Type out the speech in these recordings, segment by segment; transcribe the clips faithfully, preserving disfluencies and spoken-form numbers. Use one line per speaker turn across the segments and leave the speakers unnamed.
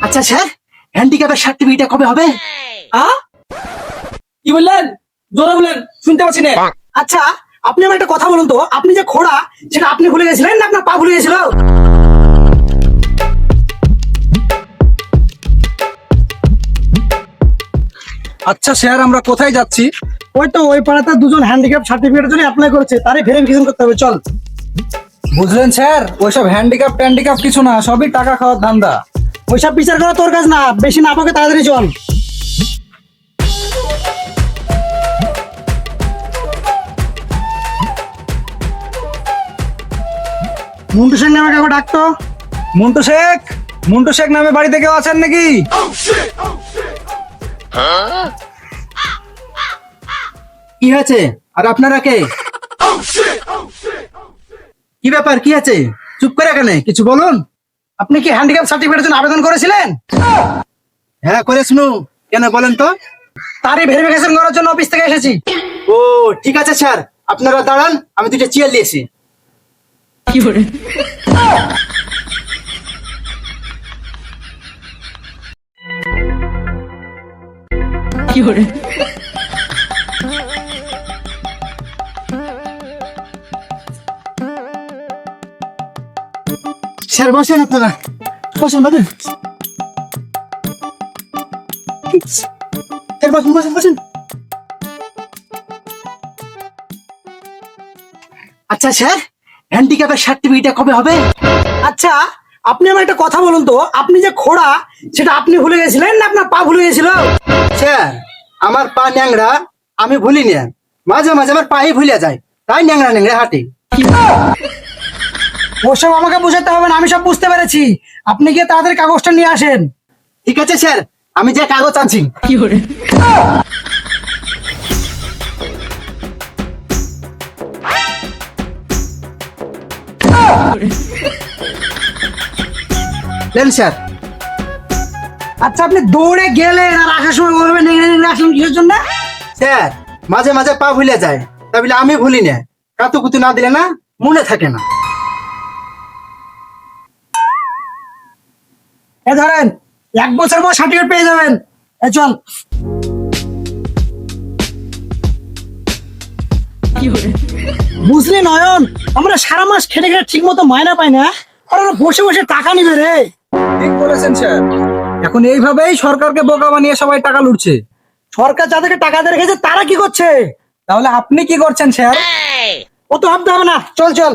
আচ্ছা sir, হ্যান্ডিক্যাপের certificate কবে হবে?
কি বললেন? জোরে বলেন, শুনতে পাচ্ছি না।
আচ্ছা আপনি আমার একটা কথা বলুন তো, আপনি যে খোড়া সেটা আপনি ভুলে গেছিলেন না আপনার পা ভুলে গেছিল?
আচ্ছা স্যার, আমরা কোথায় যাচ্ছি?
ওই তো ওই পাড়াতে দুজন হ্যান্ডিক্যাপ সার্টিফিকেটের জন্য অ্যাপ্লাই করেছে, তারই ভেরিফিকেশন করতে হবে, চল।
বুঝলেন স্যার, ওইসব হ্যান্ডিক্যাপ ট্যান্ডিক্যাপ কিছু না, সবই টাকা খাওয়ার ধান্দা।
ওইসব বিচার করা তোর কাজ না, বেশি না পাকে তাড়াতাড়ি চল। মন্টু সিং নামে কাউকে ডাকতো।
মন্টু শেখ, মন্টু শেখ নামে বাড়িতে কেউ আছেন নাকি?
কি হয়েছে? আর আপনারা কে? কি ব্যাপার, কি আছে? চুপ করে কেন, কিছু বলুন। আপনি কি হ্যান্ডিক্যাপ সার্টিফিকেটের জন্য আবেদন করেছিলেন? হ্যাঁ করেছিনু। কেন বলেন তো? তারই ভেরিফিকেশন করার জন্য অফিস থেকে এসেছি। ও ঠিক আছে স্যার, আপনারা দাঁড়ান, আমি দুটো চেয়ার নিয়েছি। কি করে? কি করে? স্যার বসেন, আপনারা বসেন, বসেন স্যার, বসেন বসেন বসেন। আচ্ছা স্যার, হ্যান্ডিক্যাপের সার্টিফিকেট কবে হবে? আচ্ছা আপনি আমার একটা কথা বলুন তো, আপনি যে খোড়া সেটা আপনি ভুলে গেছিলেন না আপনার পা ভুলে গেছিল? স্যার আমার পা ন্যাংরা, আমি ভুলি না, মাঝে মাঝে আমার পাই ভুলে যায়, তাই ন্যাংরা ন্যাংরা হাঁটি। ওসব আমাকে বুঝাতে হবে না, আমি সব বুঝতে পেরেছি। আপনি গিয়ে তাড়াতাড়ি কাগজটা নিয়ে আসেন। ঠিক আছে স্যার, আমি যে কাগজ আনছি। কি করে? দেন স্যার। আচ্ছা আপনি দৌড়ে গেলেন আর আসার সময় বলবেন নেংড়ে নেংড়ে আসলেন কিসের জন্য? স্যার মাঝে মাঝে পা ভুলে যায়, তা বলে আমি ভুলি না, কাতু কুতু না দিলে না মনে থাকে না। এ ধরেন, এক বছর পর সার্টিফিকেট পেয়ে যাবেন। এ চল। বুঝলি নয়ন, আমরা সারা মাস খেটে খেটে ঠিক মতো মায়না পাই না, আর ওরা বসে বসে টাকা নিবে রে।
ঠিক বলেছেন স্যার, এখন এইভাবেই সরকারকে বোকা বানিয়ে সবাই টাকা লুটছে।
সরকার যাদেরকে টাকা দিয়ে রেখেছে তারা কি করছে?
তাহলে আপনি কি করছেন স্যার?
ও তো ভাবতে হবে না, চল চল।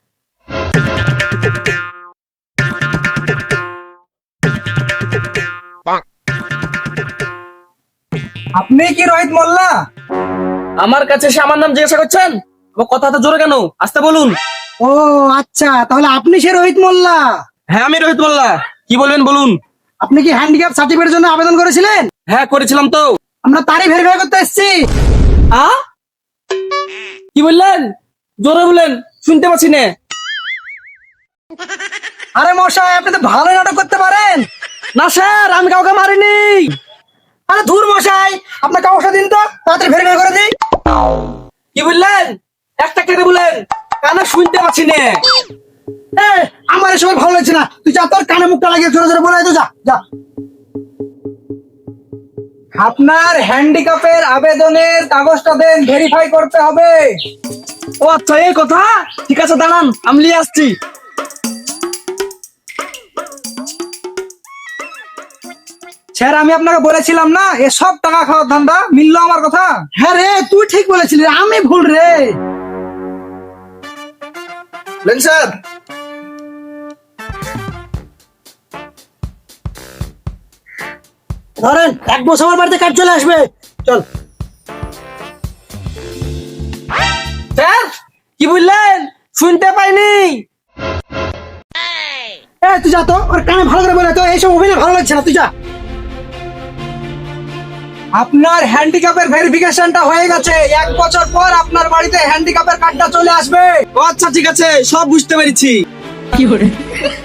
আপনি কি রোহিত মোল্লা? আমার কাছে এসে আমার নাম জিজ্ঞাসা করছেন? কথা তো জোরে কেন, আসতে বলুন।
ও আচ্ছা, তাহলে আপনি সে রোহিত মোল্লা?
হ্যাঁ আমি রোহিত মোল্লা, কি বলবেন বলুন।
আপনি কি হ্যান্ডিক্যাপ সার্টিফিকেটের জন্য আবেদন করেছিলেন?
হ্যাঁ করেছিলাম তো।
আমরা তারই ভেরিফাই করতে এসেছি।
আ কি বললেন? জোরে বলেন, শুনতে পাচ্ছি না।
আরে মশাই, আপনি তো ভালো নাটক করতে পারেন।
না স্যার, আমি কাউকে মারিনি।
আরে ধুর মশাই, আপনার কাগজটা দিন তো, তাড়াতাড়ি ভেরিফাই করে দিই।
কি বললেন? একটা কেটে বলেন, কানে শুনতে পাচ্ছি না।
এ, আমার এসব ভালো লাগছে না, তুই যা, তোর কানে মুখটা লাগিয়ে জোরে জোরে বলে তো, যা যা।
আপনার হ্যান্ডিক্যাপের আবেদনের কাগজটা দেন, ভেরিফাই করতে হবে। ও আচ্ছা এই কথা, ঠিক আছে দাঁড়ান, আমি নিয়ে আসছি। স্যার আমি আপনাকে বলেছিলাম না, এসব টাকা খাওয়ার ধান্দা, মিললো আমার কথা?
হ্যাঁ রে, তুই ঠিক বলেছিলি, আমি ভুল রে।
লেন স্যার।
ধরেন, এক বছর আমার বাড়িতে কাজ চলে আসবে, চল।
স্যার কি বললেন? শুনতে পাইনি।
এ তুই যা তো, ওর কানে ভালো করে বলে তো, এইসব অভিনয় ভালো লাগছে না, তুই যা।
আপনার হ্যান্ডিক্যাপের ভেরিফিকেশনটা হয়ে গেছে, এক বছর পর আপনার বাড়িতে হ্যান্ডিক্যাপের কার্ডটা চলে আসবে। ও আচ্ছা ঠিক আছে, সব বুঝতে পেরেছি।
কি করে?